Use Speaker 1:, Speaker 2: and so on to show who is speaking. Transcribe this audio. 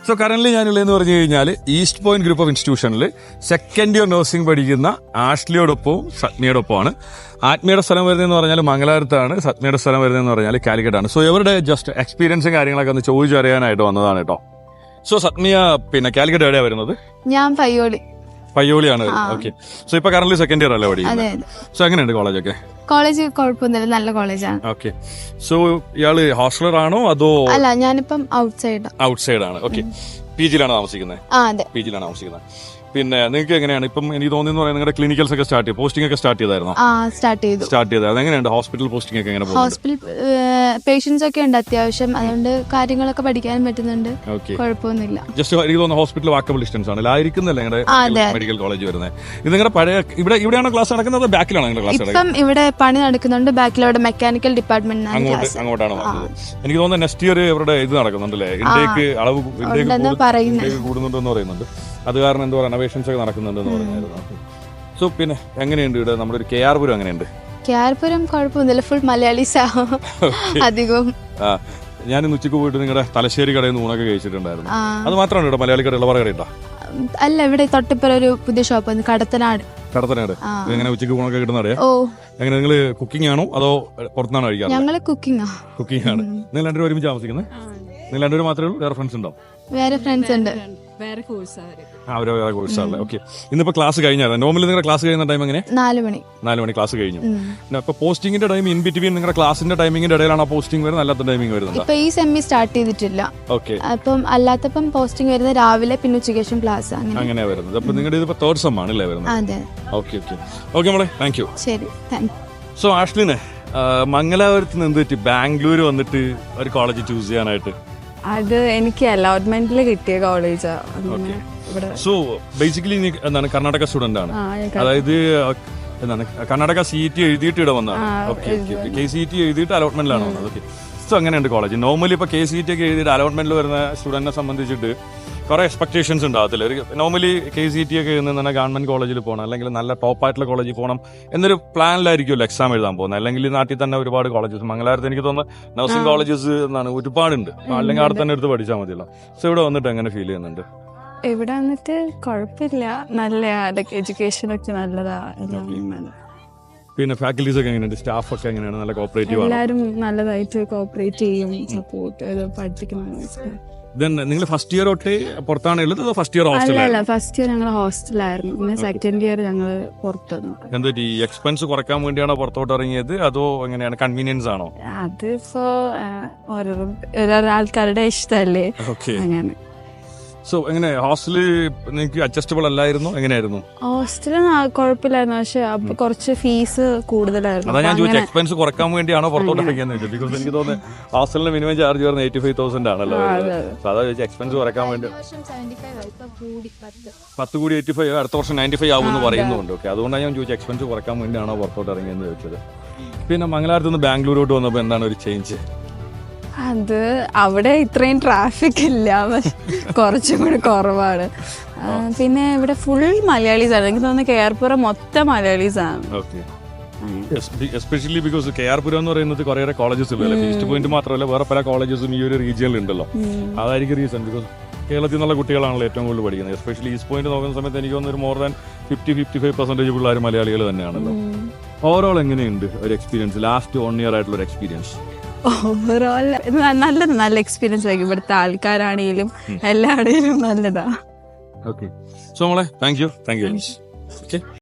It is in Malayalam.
Speaker 1: സോ കറന്റ് ഞാനുള്ളതെന്ന് പറഞ്ഞു കഴിഞ്ഞാൽ ഈസ്റ്റ് പോയിന്റ് ഗ്രൂപ്പ് ഓഫ് ഇൻസ്റ്റിറ്റ്യൂഷനിൽ സെക്കൻഡ് ഇയർ നഴ്സിംഗ് പഠിക്കുന്ന ആഷ്ലിയോടൊപ്പവും സത്മിയോടൊപ്പമാണ്. ആത്മീയുടെ സ്ഥലം വരുന്നതെന്ന് പറഞ്ഞാൽ മംഗലാപുരത്താണ്, സത്മിയുടെ സ്ഥലം വരുന്നതെന്ന് പറഞ്ഞാൽ കാലിക്കറ്റാണ്. സോ ഇവരുടെ ജസ്റ്റ് എക്സ്പീരിയൻസും കാര്യങ്ങളൊക്കെ ഒന്ന് ചോദിച്ചറിയാനായിട്ട് വന്നതാണ് കേട്ടോ. സോ സത്മിയ പിന്നെ കാലിക്കറ്റ് എവിടെയാണ് വരുന്നത്?
Speaker 2: ഞാൻ
Speaker 1: പയ്യോളിയാണ്. ഓക്കെ. സോ ഇപ്പൊ കറന്റ് സെക്കൻഡ് ഇയർ അല്ലേ പഠിക്കുന്നത്? സോ എങ്ങനെയുണ്ട് കോളേജൊക്കെ?
Speaker 2: കോളേജ് കുഴപ്പമൊന്നുമില്ല, നല്ല കോളേജാണ്.
Speaker 1: ഓക്കെ. സോ ഇയാള് ഹോസ്റ്റലർ ആണോ അതോ?
Speaker 2: അല്ല, ഞാനിപ്പം ഔട്ട് സൈഡ്
Speaker 1: ആണ്. ഓക്കെ. പി ജിയിലാണ് താമസിക്കുന്നത്?
Speaker 2: അതെ,
Speaker 1: പി ജിയിലാണ് താമസിക്കുന്നത്. പിന്നെ നിങ്ങൾക്ക് എങ്ങനെയാണ് ഇപ്പം എനിക്ക് തോന്നുന്നു പറയുന്നത് നിങ്ങളുടെ ക്ലിനിക്കൽസ് ഒക്കെ സ്റ്റാർട്ട് ചെയ്തു, പോസ്റ്റിംഗ് ഒക്കെ സ്റ്റാർട്ട് ചെയ്തായിരുന്നു? സ്റ്റാർട്ട് ചെയ്തത്. അതെങ്ങനെയുണ്ട് ഹോസ്പിറ്റൽ പോസ്റ്റിംഗ് ഒക്കെ? എങ്ങനെ
Speaker 2: ഹോസ്പിറ്റൽ പേഷ്യൻസ് ഒക്കെ ഉണ്ട് അത്യാവശ്യം, അതുകൊണ്ട് കാര്യങ്ങളൊക്കെ പഠിക്കാനും പറ്റുന്നുണ്ട്, കുഴപ്പമൊന്നുമില്ല.
Speaker 1: ജസ്റ്റ് എനിക്ക് തോന്നുന്നു ഹോസ്പിറ്റൽ വാക്കബിൾ ഡിസ്റ്റൻസ് ആണ്, ആയിരിക്കുന്നില്ല നിങ്ങളുടെ മെഡിക്കൽ കോളേജ് വരുന്നത്? ഇത് നിങ്ങളുടെ പഴയ ഇവിടെയാണ് ക്ലാസ് നടക്കുന്നത്, ബാക്കിലാണ് നിങ്ങളുടെ ക്ലാസ്?
Speaker 2: ഇപ്പം ഇവിടെ പണി നടക്കുന്നുണ്ട്, ബാക്കിലവിടെ മെക്കാനിക്കൽ ഡിപ്പാർട്ട്മെന്റ്
Speaker 1: അങ്ങോട്ടാണ് വന്നത്. എനിക്ക് തോന്നുന്നു നെക്സ്റ്റ് ഇയർ ഇവരുടെ ഇത് നടക്കുന്നുണ്ടല്ലേ, ഇന്ത്യക്ക് അളവ് കൂടുന്നുണ്ടെന്ന് പറയുന്നുണ്ട്. അത് കാരണം എന്തോ റെനോവേഷൻസ് ഒക്കെ നടക്കുന്നുണ്ടെന്ന് പറഞ്ഞായിരുന്നു. സോ പിന്നെ എങ്ങനെയുണ്ട് ഇവിടെ നമ്മുടെ ഒരു കെആർപുരം? എങ്ങനെയുണ്ട്
Speaker 2: കെആർപുരം? കുഴപ്പമൊന്നുമില്ല, ഫുൾ മലയാളീസ് അധികം.
Speaker 1: ഞാൻ ഇന്ന് ഉച്ചക്ക് പോയിട്ട് നിങ്ങളുടെ തലശ്ശേരി കടയിൽ നിന്ന് ഊണൊക്കെ കഴിച്ചിട്ടുണ്ടായിരുന്നു. അത് മാത്രമാണ് ഇവിടെ മലയാളി കട, ഇളവറ കട?
Speaker 2: അല്ല, ഇവിടെ തൊട്ടിപ്പുറം ഒരു പുതിയ ഷോപ്പ് കടത്തനാട്.
Speaker 1: എങ്ങനെ ഉച്ചക്ക് ഊണൊക്കെ കിട്ടുന്ന? എങ്ങനെ നിങ്ങൾ കുക്കിംഗ് ആണോ അതോ പുറത്തുനിന്നാണോ കഴിക്കാറ്?
Speaker 2: ഞങ്ങള് കുക്കിംഗ് ആണ്.
Speaker 1: നിങ്ങൾ രണ്ടുപേരും ഒരുമിച്ച് താമസിക്കുന്നത്? നിങ്ങൾ രണ്ടുപേരും മാത്രമേ ഉള്ളൂ? വേറെ ഫ്രണ്ട്സ് ഉണ്ടോ?
Speaker 2: വേറെ ഫ്രണ്ട്സ് ഉണ്ട്,
Speaker 3: വേറെ കോഴ്സാണ്.
Speaker 1: വേറെ കോഴ്സാണല്ലേ. ഓക്കെ. ഇന്നിപ്പോ ക്ലാസ് കഴിഞ്ഞാൽ നോർമലി നിങ്ങളുടെ ക്ലാസ് കഴിയുന്ന ടൈം എങ്ങനെ?
Speaker 2: 4 മണി
Speaker 1: ക്ലാസ് കഴിഞ്ഞു. അപ്പൊ പോസ്റ്റിംഗിന്റെ ടൈം ഇൻ ബിറ്റ്വീൻ നിങ്ങളുടെ ക്ലാസിന്റെ ടൈമിംഗിന്റെ ഇടയിലാണ് പോസ്റ്റിംഗ് വരുന്നത്, അല്ലാത്ത ടൈമിംഗ് വരുന്നത്?
Speaker 2: ഇപ്പൊ ഈ സെമി സ്റ്റാർട്ട് ചെയ്തിട്ടില്ല.
Speaker 1: ഓക്കെ.
Speaker 2: അപ്പം അല്ലാത്തപ്പം പോസ്റ്റിംഗ് വരുന്നത് രാവിലെ, പിന്നെ ഉച്ചയ്ക്ക് ശേഷം ക്ലാസ്,
Speaker 1: അങ്ങനെ വരുന്നത്. അപ്പൊ നിങ്ങളുടെ ഇതിപ്പോ തേർഡ് സെം ആണല്ലേ വരുന്നത്?
Speaker 2: അതെ.
Speaker 1: ഓക്കെ മോളെ, താങ്ക് യു.
Speaker 2: ശരി, താങ്ക് യു.
Speaker 1: സോ ആഷ്ലിനെ മംഗലാപുരത്ത് നിന്ന് എന്ത് പറ്റി ബാംഗ്ലൂർ വന്നിട്ട് ഒരു കോളേജ് ചൂസ് ചെയ്യാനായിട്ട്?
Speaker 3: അത് എനിക്ക് അലോട്ട്മെന്റിൽ കിട്ടിയ കോളേജാ.
Speaker 1: സോ ബേസിക്കലി നീ എന്താണ് കർണാടക സ്റ്റുഡന്റ് ആണ്? അതായത് എന്താണ് കർണാടക CET എഴുതിയിട്ട് ഇവിടെ വന്നതാണ്? ഓക്കെ. KCET എഴുതിയിട്ട് അലോട്ട്മെന്റിലാണ് വന്നത്. ഓക്കെ. സോ അങ്ങനെയുണ്ട് കോളേജ്. നോർമലി ഇപ്പൊ KCET ഒക്കെ എഴുതിയിട്ട് അലോട്ട്മെന്റിൽ വരുന്ന സ്റ്റുഡന്റിനെ സംബന്ധിച്ചിട്ട് കുറെ എക്സ്പെക്ടേഷൻസ് ഉണ്ടാകത്തില്ല. ഒരു നോർമലി KCET ഒക്കെ എഴുതുന്ന ഗവൺമെന്റ് കോളേജിൽ പോകണം, അല്ലെങ്കിൽ നല്ല ടോപ്പ് ആയിട്ടുള്ള കോളേജിൽ പോകണം എന്നൊരു പ്ലാനിലായിരിക്കുമല്ലോ എക്സാം എഴുതാൻ പോകുന്നത്. അല്ലെങ്കിൽ നാട്ടിൽ തന്നെ ഒരുപാട് കോളേജസ്, മംഗലാപുരത്ത് എനിക്ക് തോന്നുന്നു നഴ്സിംഗ് കോളേജസ് എന്നാണ് ഒരുപാടുണ്ട്, അല്ലെങ്കിൽ അവിടെ തന്നെ എടുത്ത് പഠിച്ചാൽ മതിയല്ലോ. സോ ഇവിടെ വന്നിട്ട് എങ്ങനെ ഫീൽ ചെയ്യുന്നുണ്ട്?
Speaker 3: ഇവിടെ വന്നിട്ട് കുഴപ്പമില്ല, നല്ല എഡ്യൂക്കേഷൻ ഒക്കെ നല്ലതാ.
Speaker 1: പിന്നെ ഫാക്കൽറ്റീസ് ഒക്കെ എങ്ങനെയുണ്ട്? സ്റ്റാഫ് ഒക്കെ എങ്ങനെയാണ്? നല്ല കോപ്പറേറ്റീവ് ആണ്?
Speaker 3: എല്ലാവരും നല്ലതായിട്ട് കോപ്പറേറ്റ് ചെയ്യും, സപ്പോർട്ട് പഠിപ്പിക്കുന്ന.
Speaker 1: നിങ്ങൾ ഫസ്റ്റ് ഇയർ തൊട്ട് പുറത്താണ് ഉള്ളത് അതോ ഫസ്റ്റ് ഇയർ ഹോസ്റ്റൽ?
Speaker 3: അല്ല, ഫസ്റ്റ് ഇയർ ഞങ്ങൾ ഹോസ്റ്റലായിരുന്നു, പിന്നെ സെക്കൻഡ് ഇയർ ഞങ്ങൾ പുറത്തുനിന്നു.
Speaker 1: എന്താ ഈ എക്സ്പെൻസ് കുറയ്ക്കാൻ വേണ്ടിയാണോ പുറത്തോട്ട് ഇറങ്ങിയത് അതോ എങ്ങനെയാണ്, കൺവീനിയൻസ് ആണോ?
Speaker 3: അതിപ്പോ ഓരോ ആൾക്കാരുടെ ഇഷ്ടമല്ലേ, അങ്ങനെ.
Speaker 1: സോ എങ്ങനെ ഹോസ്റ്റല് നിങ്ങൾക്ക് അഡ്ജസ്റ്റബിൾ അല്ലായിരുന്നു? എങ്ങനെയായിരുന്നു
Speaker 3: ഹോസ്റ്റല്? കുഴപ്പമില്ലായിരുന്നു, പക്ഷെ അപ്പൊ കുറച്ച് ഫീസ് കൂടുതലായിരുന്നു.
Speaker 1: അതാ ഞാൻ ചോദിച്ചത്, എക്സ്പെൻസ് കുറക്കാൻ വേണ്ടിയാണോ പുറത്തോട്ട് ഇറങ്ങിയെന്ന് ചോദിച്ചത്? ബിക്കോസ് എനിക്ക് തോന്നുന്നത് ഹോസ്റ്റലിന് മിനിമം ചാർജ് വരുന്നത് 85,000 ആണല്ലോ. അതാ ചോദിച്ചത്, എക്സ്പെൻസ് കുറക്കാൻ വേണ്ടി 10 കൂടി 85, അടുത്ത വർഷം 95 ആവുമെന്ന് പറയുന്നുണ്ട്. ഓക്കെ. അതുകൊണ്ടാണ് ഞാൻ ചോദിച്ചത്, എക്സ്പെൻസ് കുറക്കാൻ വേണ്ടിയാണോ പുറത്തോട്ട് ഇറങ്ങിയെന്ന് ചോദിച്ചത്. പിന്നെ മംഗലാപുരത്ത് നിന്ന് ബാംഗ്ലൂരോട്ട് വന്നപ്പോൾ എന്താണ് ഒരു ചേഞ്ച്?
Speaker 3: അത് അവിടെ ഇത്രയും ട്രാഫിക് ഇല്ല, പക്ഷെ കുറച്ചും കൂടി കുറവാണ്. പിന്നെ ഇവിടെ ഫുൾ മലയാളീസ് ആണ്. എനിക്ക് തോന്നുന്നു കെആർപുരം മൊത്തം മലയാളീസ് ആണ്.
Speaker 1: എസ്പെഷ്യലി ബിക്കോസ് കെആർപുരം എന്ന് പറയുന്നത് കുറേ കോളേജസ് ഉള്ളൂ, ഈസ്റ്റ് പോയിന്റ് മാത്രമല്ല വേറെ പല കോളേജസും ഈ ഒരു റീജിയനിൽ ഉണ്ടല്ലോ. അതായിരിക്കും റീസൺ. ബിക്കോസ് കേരളത്തിൽ നിന്നുള്ള കുട്ടികളാണല്ലോ ഏറ്റവും കൂടുതൽ പഠിക്കുന്നത്. എസ്പെഷ്യലി ഈസ്റ്റ് പോയിന്റ് നോക്കുന്ന സമയത്ത് എനിക്ക് തോന്നുന്നു ഒരു മോർ ദാൻ 50-55% പിള്ളേർ മലയാളികൾ തന്നെയാണല്ലോ. ഓവറോൾ എങ്ങനെയുണ്ട് ഒരു എക്സ്പീരിയൻസ്, ലാസ്റ്റ് 1 year ആയിട്ടുള്ള ഒരു എക്സ്പീരിയൻസ്?
Speaker 3: ഓവറോൾ നല്ല എക്സ്പീരിയൻസ് ആയിരിക്കും. ഇവിടുത്തെ ആൾക്കാരാണെങ്കിലും എല്ലാവരുടെയും നല്ലതാ.
Speaker 1: ഓക്കെ. സോ മോളെ, താങ്ക് യു.